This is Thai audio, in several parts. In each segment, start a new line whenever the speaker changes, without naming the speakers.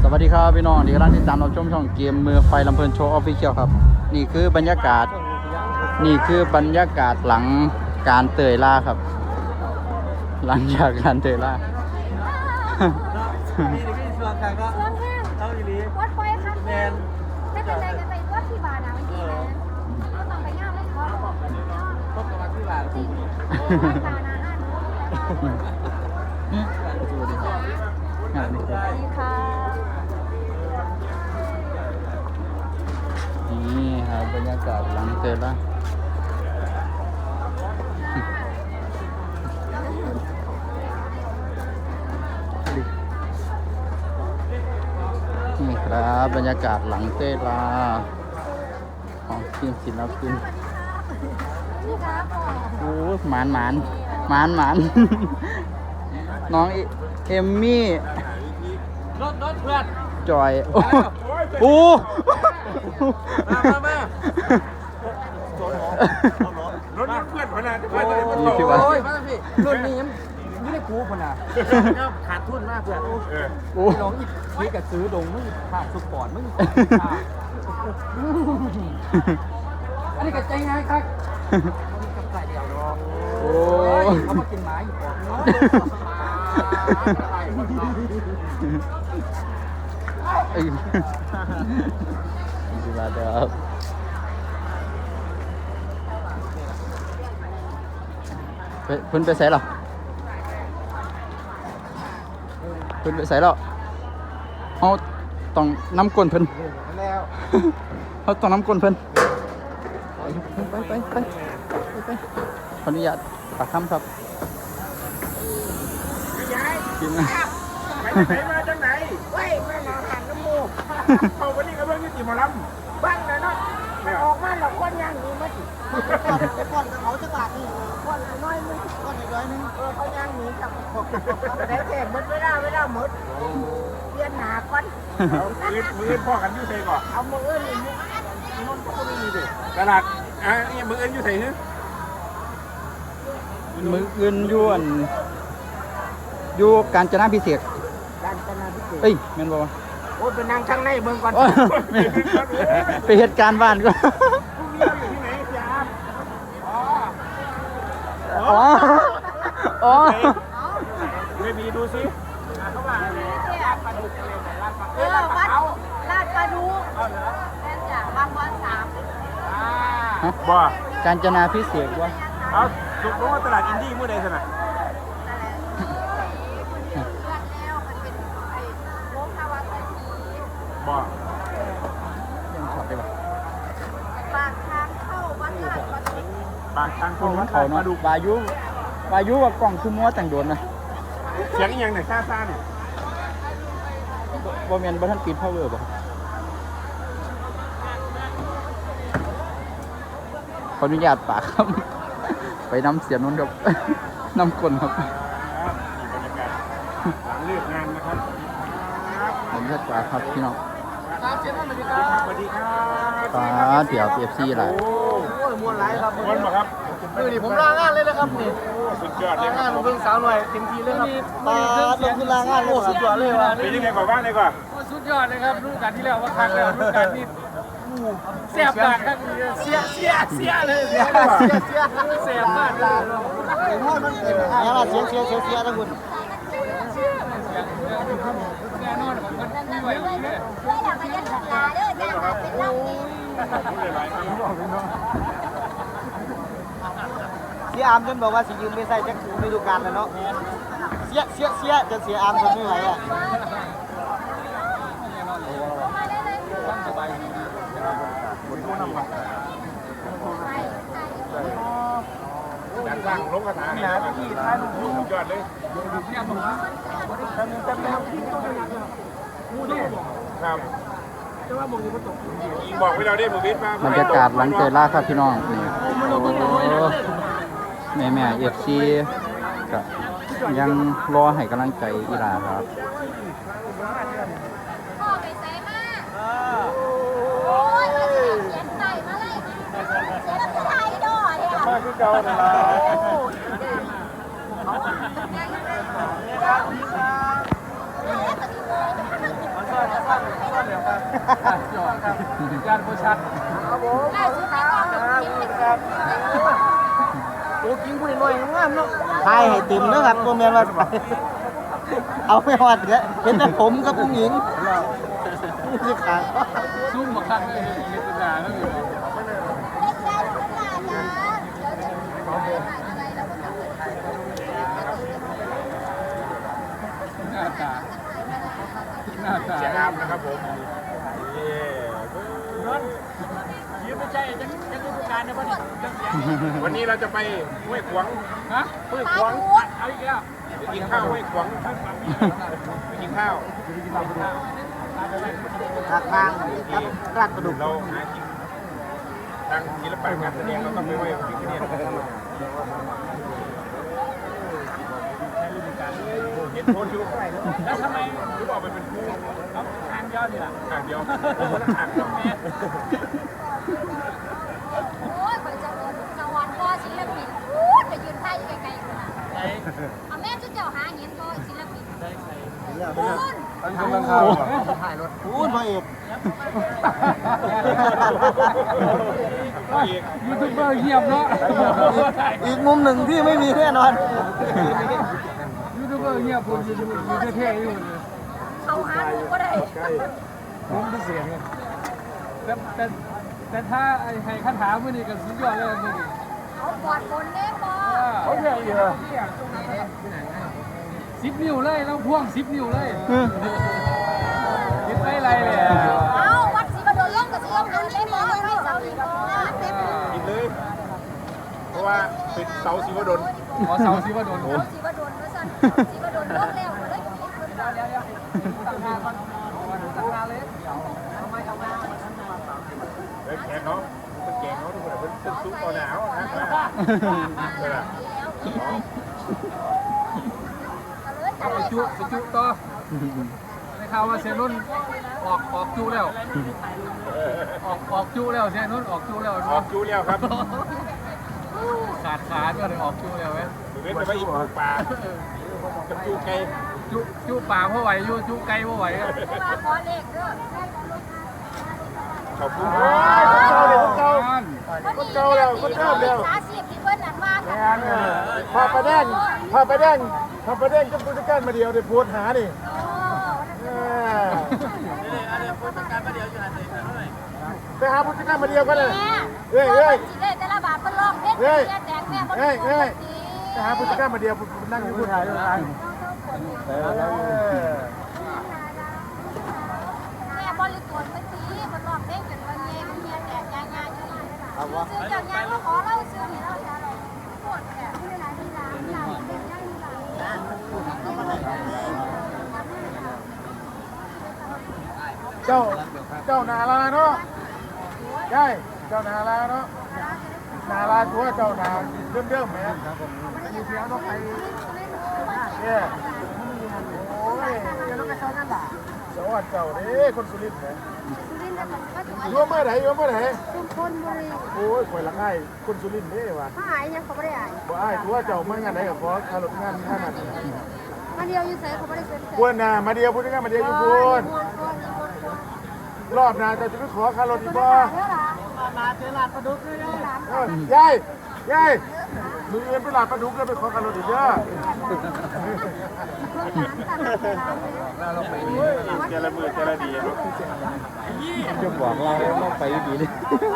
วัสดีครับพี่น้องที่กำลังติดตามรับชมช่องเกมมือไฟลำเพลินโชว์ออฟฟิเชียลครับนี่คือบรรยากาศหลังการเตยล่าครับหลังจากการเตยล่า
นี่พี่ชวนใครก็
เรื่องแห้ง
เท่าอีหลี
วัดไฟคัน
แม
แม
น
นจะเป็นอะไรกันไปวัดที่บานาวันที่นะก็ต้องไปง่ามเลยเขาบอก
พบกับวันที่หลาน
จริงบานาห้าหนู
สวัสดีครับงานนี้ครับ
สวัสดีค่ะ
นี่ครับบรรยากาศหลังเตยล่านี่ครับบรรยากาศหลังเตยล่าของทีมศิลปิน
นี่ครับพ่อ
โอ้หมานน้องเอมมี่
รถเพื่อน
จอยโอ้
มารถเพื่อนพนันเพื่อน
นี่คือว่า
โอ้ยมาพี่รุ่นนี้ยังไม่ได้กูพนันขาดทุนมากเพื่อน
โอ้
น้องนี่กับซื้อดงมึงขาดสุดปอดมึงอันนี้กับใจไงครับกับใส่เดียวรอ
โอ้
เขามากินไม้อยู่ก่อนเนาะ
ดีมากครับเพิ่นไปใส่หรอเพิ่นไปใส่หรอเขาต้องน้ำก้นเพิ่น
แล้ว
เขาต้องน้ำก้นเพิ่นไปขออนุญาตปากคำครับกินนะ
ไปไหนมาจากไหนเว้ยแม่หมอหันน้ำมูกเขาวันนี้ก็เพิ่งยุติหมอลำบ้างนะเนาะไม่ออกมาหรอกคนยังมีมั้ยก่อนเขาจะกลับนี่ก่อนน้อยนึงก่อนน้อยนึงเขายังมีกับแต่แขกไม่ได้หมดเปลี่ยนหนาก่อนมือพ่อกันยุ่ใส่ก่อนเอามืออื่นนี่นนท์ก็ไม่มีดิตลาดนี่มืออื่นยุ่ใส่ฮึ
มืออื่นยวนอยู่กาญจนาพิเศษก
ด้านนาพิเศษ
เอ้ยแม่นบ่วะ
โอ้ยเป็นนางช่างในเมืองก่อน
โอ้ยไปเหตุการณ์บ้านก็
พรุ่งนี้เราอยู่ที่ไหนจ๊ะอ๋อ
อ๋อ
ไม่มีดูสิ
วัดลาดปลาดูแม่จ๋าบางวัน3
บ่
กาญจนาพิเศษกวะ
เอาสุกลงว่าตลาดอินดี้เมื่อใดสนะ
แล้วมันเป็นไอ้โค้งนวัด
บ่
ยังช็อตได้ปะ
ปากทางเข้าวัดลาดปลาดู
ปากทางค
คน
น
มันเขาเนาะวายุว่ากล่องคือมัวแต่งโดนนะ
เสียงอีหยังเนี่ยซ่าเนี่ย
บ่แม่นบ่ทันปิดพาวเวอร์บ่ขออนุญาตปากครับ ไปน้ำเสียนนท์ครับ น้ำกลนครับ
บรรยากาศหลังเลิกงานนะครับ
ผมเลือกปากครับพี่น้อง
ครับเชิญท่านสวัสดีครับสวัสดีครับ
ปลาเดี๋ยวPFC หลาย
โอ้ยมวนไรครับมวนบ่ครับ
นี่ผมลางานเลยนะครับนี่
สุดยอดเลยค
งา
รั
น
บ
ผมเป็นสาวหน่อยเต็มทีเลยครับลงทุนลางานโอ้สุดยอดเลยว่ะ
เป็นยังไงกว่าบ้านเลยกว่า
สุดยอดเลยครับฤดูกาลที่แล้วว่าครั้งแล้วฤดูกาลนี้เสียบปากครับเสียเลยเสียมากเลย
เสียทั้งหมด
แน่นอนของมันไม่ไหวเลย
เพื่ออยากไปยันลาเด้อจ้าเป็นเล่านี่
เสียอามจนบอกว่าสิยืมไม่ใส่จักฤดูกาลแล้วเนาะเสียจนเสียอามจนไม่ไหวอ่ะ
การสร้างลงกระถางนี่ที่ท้ายลูกสุดยอดเลยครับยิงบอกไว้เราได้มือวิทย์มา
บรรยากาศหลังเตยล่าครับพี่น้องนี่แม่FC ก็ยังรอให้กำลังใจอีหลาครับ
พ่อไปใส่มาโอ้ยมาเสียงใส่มาเลยเสียงน้ำไทยดอเนี่ย
มาคือเก่าเลยล่ะ
เ
จอดครับยานโบชัด
ครับผม
ล่าสุดในกองกินเป็นครับ
ตัวกินผู้น้อยงามเนาะ
ทายให้ติ่มนะครับตัวเมียนว่าไปเอาไม่ฮอดเด้อเห็นแต่ผมกับผู้หญิงนี่คือขา
ซุ่มมาคันเลยเห็นตัวหนาแล้วอยู่
เล่นได้ทุกหน้าจ้าเดี๋ยวจะถ่ายอะไรแล้วก็จะเปิดถ่าย
หน้าตาหน้าตา
เสียงามนะครับผมยืมไม่ใช่จะดูการนะวันนี้เราจะไปห้วยขวาง
ฮะ
ห้วย
ป
ข
ลาว
าง
ทูด
เอาอีกแล้ว
ไปกินข้าวห้วยขวางไปกินข้าว
ขาทางครับราดกระดูก
เราหากินทางศิลปะการแสดงเราต้องไปไหว้พระพิฆเนศเห็นโพสต์อยู่
แล้วทำไม
รู้บอกไปเป็นครู
เอาทางยอดนี่ล่ะ
อ่างเดียวคนละอ่างเดียว
โอ้ยไปจะโดนสวรรค์ก็ศิลปินพูดไปยืนท่าอยู่ไกลๆคนน่ะเอาแม่จุดเจ้าหาเห็นก็ศิลปินพูด
ทางข้าว
พูดพ่อเอก
ยูทูบเบอร์เงียบเนาะ
อีกมุมหนึ่งที่ไม่มีแน่นอน
ยูทูบเบอร์เงียบผมอยู่เท่ๆอยู่
เขาหาดูก็ได้
ผมเป็นเสียงแต่ถ้าไอ้ให้คาถามื่อนี้ก็สุดยอดเลยมื่อนี้
เขาปอดฝนเด้บอ
เขาใหญ่เหรอ10 นิ้วเลยแล้วพ่วง10 นิ้วเลยคิดไปไรเลย
เอาวัดศรีบดลล่องกับศรีบดลได้บอไม่เสาอีกบอ
กินเลย เพราะว่าเป็นเสาศิวดล
ขอเสาสิว่าโดน
เสาศรีบดลนะสันศรีบดลล่องแล้วก็เลยคิดคนเดียว
ตั้งงานก่อนตั้งงานเลย
เฮ้ยแขกเขาเป็นแกงเขาทุกคนเป็นซุปต่อหนาวนะ
ไปจุต่อในข่าวว่าเซนุ่นออกจุแล้วออกจุแล้วเซนุ่นออกจุแล้ว
ออกจูเลี้ยวครับ
ขาดก็เลยออกจุแล้วไหม
เว้นไปว่าอีกปลากับจูไก่
จุป่าเพราะไหวจุไก่เพราะไหว
มาขอเลขเด้อ
ขอบคุณ
คนเก่าแล้วคนเก่าแล้วสาสีที่เพิ่นนั่นว่ากัน
พอประเด็นก็ผู้จัดการมาเดียวได้พูดหาดิไปหาผู้จัดการมาเดียวกันเลย
เฮ้ยสิได้แต่ละบาทเพิ่นลองเฮ็ดแดงแม่บ่ได้ปกติ
ไปหาผู้จัดการมาเดียวนั่งอยู่ผู้ชายด้วยกัน
แม่บริตรเพิ่นตีเพิ่นลองเด้งกันว่าแม่มันเมียแดงยาๆอยู่ซื้อจังยาก็ขอเล่าซื้อนี่เล่าจ้าเราปวดแก่ที่ไหนที่ร้านอยากเป็นย่างนี่ล่ะ
เจ้านาลาเนาะใช่เจ้านาลาเนาะนาลาตัวเจ้านาเริ่มไหมอยู่เสียงต้องไปเนี่ยโอ้ยเจ้าต้องไปซ้อนนั่นล่ะสวัสดีเจ้าเด้คนสุรินทร์เนี่ยอยู่เมื่อไหร่
ชุมพลบุรี
โอ้ยข่อยละง่ายคนสุรินทร์เด้ว่ะ
ถ้าหายยังเขาไม่ได้หาย
บ่อ้ายตัวเจ้ามางานไหนกับพอคารถงานท่านั้น
มาเดียวอยู่เฉยเขาไม่ได้เซ็น
ควรน่ะมาเดียวพูดง่ายมาเดียวอยู่พูนรอบหน้าจะไปขอคารถอีกบ่
มาเจอหลานประดุกเลยนะ
ยายมือเอ็นไปหลาดปลาดุกแล้วไปขอคารถอีกเยอะเจรมือเจรดีเนาะ
จะบอกเราต้องไปดีดิ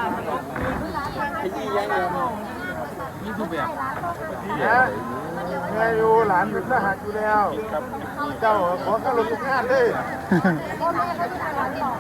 นี่ทุกแบบ
นะแม่อยู่หลานเป็นทหารอยู่แล้วเจ้าขอคารถทุกงานเลย
พ่อแม่เขาอยู่ไหนก่อน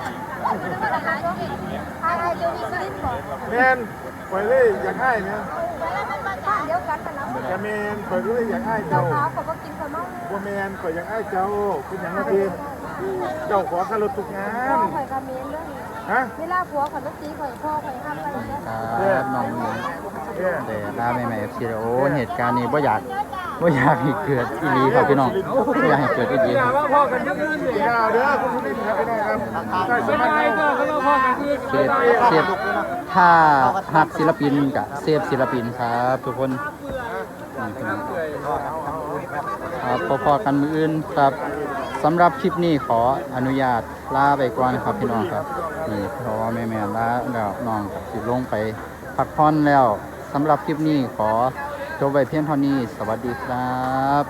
อะไรเดี๋ยวนี้ก็ลิ้นบอก
แมนปล่อยเลยอยากให้เนี่ย
แล้วมันมาจากเดียวกันแต่ละ
แต่แมนปล่อยเลยอยากให้เจ้า
ขาวเขาก็กินขนม
บัวแมนปล่อยอยากให้เจ้าเป็นอย่างนั้นเองเจ้าขอคารถทุกงา
พ่อน ข่อยคาเมนเรื่องนี้
ฮะ
เวลาผัวข่อยก็ตีข่อยพ่อข่อยห้ามไปเลย
ครับน้องหญิง
เนี่ย
แต่ลาใหม่ๆ FC โอ้เหตุการณ์นี้บ่อยากให้เกิดอีหลีครับพี่น้องบ่อยากให้เกิดอีหลี
อย่าว่าพ่อกันยังอื่นเลย
ข่าวเด้อคุณผู้ชมครับพี่น้องครับใช่ส
ไม่
มัย
ได้
นี้
ก็เขาพ่อกันคือ
เซฟถ้าหักศิลปินกับเซฟศิลปินครับทุกคนนี่พี่น้องครับพอๆกันมืออื่นครับสำหรับคลิปนี้ขออนุญาตลาไปก่อนครับพี่น้องครับนี่เพราะว่าแม่ๆลาแล้วน้องกับสิลงไปพักผ่อนแล้วสำหรับคลิปนี้ขอจบไว้เพียงเท่านี้สวัสดีครับ